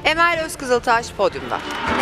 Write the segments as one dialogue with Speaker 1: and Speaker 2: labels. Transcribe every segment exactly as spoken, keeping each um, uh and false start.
Speaker 1: Emel Özkızıltaş podyumda.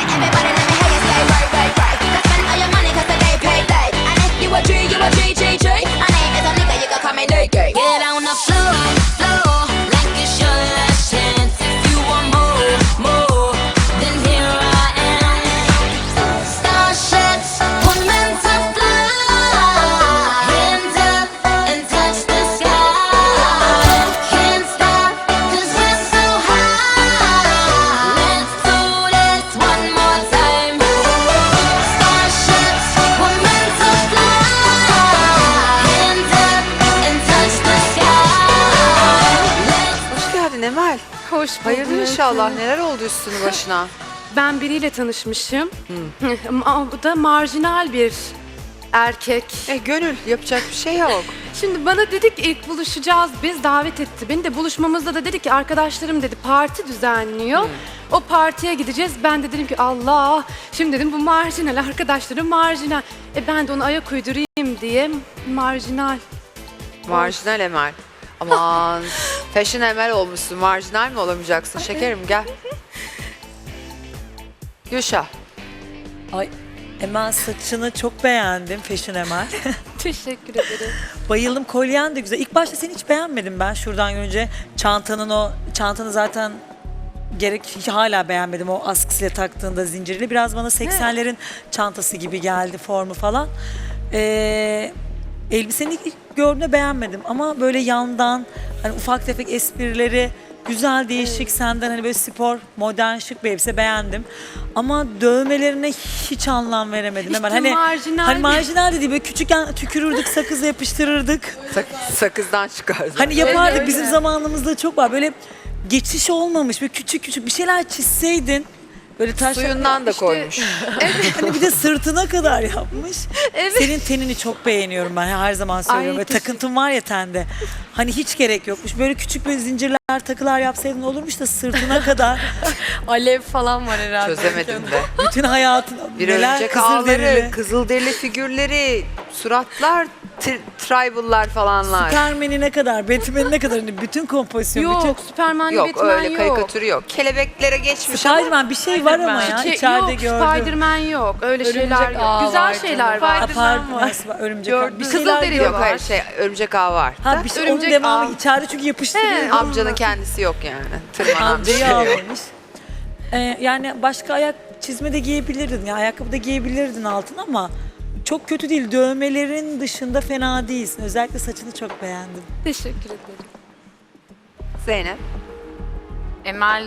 Speaker 1: Emel,
Speaker 2: hoş bulduk.
Speaker 1: hayırlı inşallah. Neler oldu üstünü başına?
Speaker 2: Ben biriyle tanışmışım. Ama bu da marjinal bir erkek.
Speaker 1: E gönül, yapacak bir şey yok.
Speaker 2: Şimdi bana dedik ilk buluşacağız, biz davet etti. Beni de buluşmamızda da dedi ki arkadaşlarım dedi parti düzenliyor. Hmm. O partiye gideceğiz. Ben de dedim ki Allah, şimdi dedim bu marjinal, arkadaşlarım marjinal. E ben de ona ayak uydurayım diye marjinal.
Speaker 1: Marjinal Emel. Aman, fashion Emel olmuşsun. Marjinal mi olamayacaksın? Şekerim gel. Gülşah.
Speaker 3: Ay Emel, saçını çok beğendim, Fashion Emel.
Speaker 2: Teşekkür ederim.
Speaker 3: Bayıldım, kolyen de güzel. İlk başta seni hiç beğenmedim ben şuradan görünce. Çantanın o, çantanı zaten gerek hala beğenmedim o askısıyla taktığında zincirli. Biraz bana seksenlerin çantası gibi geldi formu falan. Ee, elbisenin ilk gördüğümde beğenmedim ama böyle yandan hani ufak tefek esprileri güzel, değişik, senden hani böyle spor, modern, şık bir elbise beğendim. Ama dövmelerine hiç anlam veremedim.
Speaker 2: İşte
Speaker 3: Hemen hani
Speaker 2: marjinal
Speaker 3: hani
Speaker 2: bir-
Speaker 3: marjinal dedi, böyle küçükken tükürürdük, sakızla yapıştırırdık.
Speaker 1: Sak sakızdan çıkardı.
Speaker 3: Hani yapardık,
Speaker 2: öyle.
Speaker 3: bizim zamanımızda çok var. Böyle geçiş olmamış, böyle küçük küçük bir şeyler çizseydin. Böyle taş
Speaker 1: Suyundan da
Speaker 3: işte-
Speaker 1: koymuş.
Speaker 3: Hani bir de sırtına kadar yapmış.
Speaker 2: Evet.
Speaker 3: Senin tenini çok beğeniyorum ben, her zaman söylüyorum.
Speaker 2: Ay,
Speaker 3: Böyle
Speaker 2: teşekkür-
Speaker 3: takıntın var ya tende. Hani hiç gerek yokmuş. Böyle küçük böyle zincirler, takılar yapsaydın olurmuş da sırtına kadar
Speaker 2: Alev falan var herhalde.
Speaker 1: Çözemedim de.
Speaker 3: bütün hayatın
Speaker 1: Bir
Speaker 3: neler,
Speaker 1: örümcek
Speaker 3: kızıl
Speaker 1: ağları,
Speaker 3: derili.
Speaker 1: kızılderili figürleri, suratlar, tri- tribal'lar falanlar.
Speaker 3: Superman'ine kadar, Batman'ine kadar hani bütün kompozisyon,
Speaker 2: Yok,
Speaker 3: bütün...
Speaker 2: Süperman,
Speaker 1: Yok
Speaker 2: Batman
Speaker 1: öyle
Speaker 2: yok.
Speaker 1: karikatürü yok. Kelebeklere geçmiş ama
Speaker 3: Spiderman bir şey var ama ya,
Speaker 2: Şey,
Speaker 3: içeride
Speaker 2: yok,
Speaker 3: gördüm.
Speaker 2: Spiderman yok. Öyle
Speaker 4: Örümcek
Speaker 2: şeyler yok.
Speaker 4: ağı
Speaker 2: Güzel
Speaker 4: var
Speaker 2: şeyler
Speaker 4: canım.
Speaker 2: var.
Speaker 3: Ha, pardon,
Speaker 4: var.
Speaker 3: nasıl var? Örümcek ağı.
Speaker 4: Gördüm.
Speaker 3: Bir
Speaker 2: Kızıl
Speaker 3: şeyler
Speaker 2: deri
Speaker 3: gördüm.
Speaker 1: yok hayır şey örümcek ağı var.
Speaker 3: Ha bir şey, onun
Speaker 2: Örümcek
Speaker 3: devamı
Speaker 2: ağı.
Speaker 3: içeride çünkü yapıştırıyor.
Speaker 1: Amcanın kendisi yok yani. Tırmanan bir şey
Speaker 3: Amcayı
Speaker 1: yok.
Speaker 3: almamış. Ee, yani başka ayak çizme de giyebilirdin. Ya ayakkabı da giyebilirdin altına ama çok kötü değil. Dövmelerin dışında fena değilsin. Özellikle saçını çok beğendim.
Speaker 2: Teşekkür ederim.
Speaker 1: Zeynep.
Speaker 4: Emel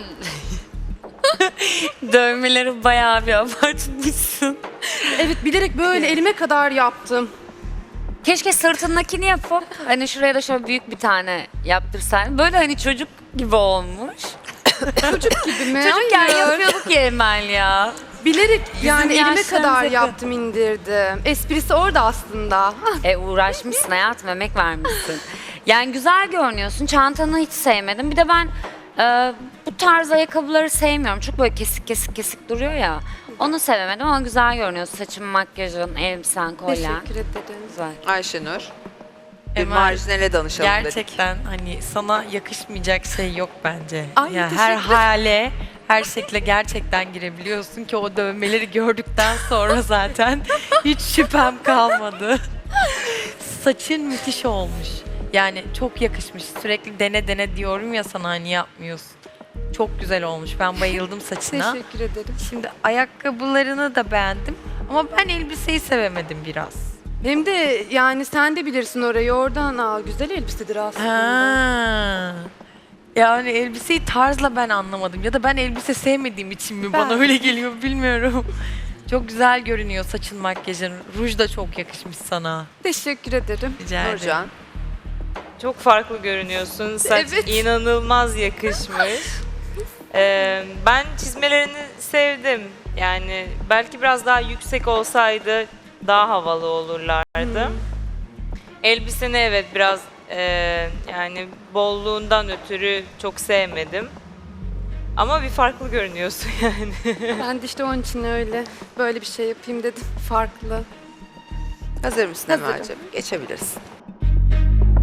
Speaker 4: dövmeleri bayağı bir abartmışsın.
Speaker 2: Evet, bilerek böyle elime kadar yaptım.
Speaker 4: Keşke sırtındakini yapıp hani şuraya da şöyle büyük bir tane yaptırsaydın. Böyle hani çocuk gibi olmuş.
Speaker 2: Çocuk gibi mi?
Speaker 4: Çocukken
Speaker 2: Hayır.
Speaker 4: yapıyorduk ya Emel ya.
Speaker 2: Bilerek yani elime
Speaker 3: yaşlarımıza
Speaker 2: kadar
Speaker 3: yakın.
Speaker 2: yaptım, indirdim. Esprisi orada aslında.
Speaker 4: E uğraşmışsın hayatım, emek vermişsin. Yani güzel görünüyorsun. Çantanı hiç sevmedim. Bir de ben e, bu tarz ayakkabıları sevmiyorum. Çok böyle kesik kesik kesik duruyor ya. Onu sevemedim ama güzel görünüyorsun. Saçın, makyajın, elbisen, kolyen.
Speaker 2: Teşekkür ederim.
Speaker 4: Güzel.
Speaker 1: Ayşenur. Bir
Speaker 5: Emel,
Speaker 1: marjinale danışalım dedik.
Speaker 5: Gerçekten hani sana yakışmayacak şey yok bence.
Speaker 2: Ay,
Speaker 5: yani
Speaker 2: teşekkür
Speaker 5: her
Speaker 2: ederim.
Speaker 5: hale, her şekle gerçekten girebiliyorsun ki o dövmeleri gördükten sonra zaten hiç şüphem kalmadı. Saçın müthiş olmuş. Yani çok yakışmış. Sürekli dene dene diyorum ya sana, hani yapmıyorsun. Çok güzel olmuş. Ben bayıldım saçına.
Speaker 2: Teşekkür ederim.
Speaker 5: Şimdi ayakkabılarını da beğendim ama ben elbiseyi sevemedim biraz.
Speaker 2: Hem de yani sen de bilirsin orayı, oradan aa, güzel elbisedir aslında.
Speaker 5: Ha. Yani elbiseyi tarzla ben anlamadım ya da ben elbise sevmediğim için mi bana
Speaker 2: Ben-
Speaker 5: öyle geliyor bilmiyorum. Çok güzel görünüyor saçın, makyajın. Ruj da çok yakışmış sana.
Speaker 2: Teşekkür ederim.
Speaker 5: Rica ederim.
Speaker 1: Nurcan.
Speaker 6: Çok farklı görünüyorsun. Saç
Speaker 2: Evet.
Speaker 6: inanılmaz yakışmış. Ee, ben çizmelerini sevdim. Yani belki biraz daha yüksek olsaydı daha havalı olurlardı. Elbiseni evet biraz e, yani bolluğundan ötürü çok sevmedim. Ama bir farklı görünüyorsun yani.
Speaker 2: Ben de işte onun için öyle böyle bir şey yapayım dedim. Farklı.
Speaker 1: Hazır mısın
Speaker 2: Hazırım.
Speaker 1: Emel'ciğim? Geçebilirsin.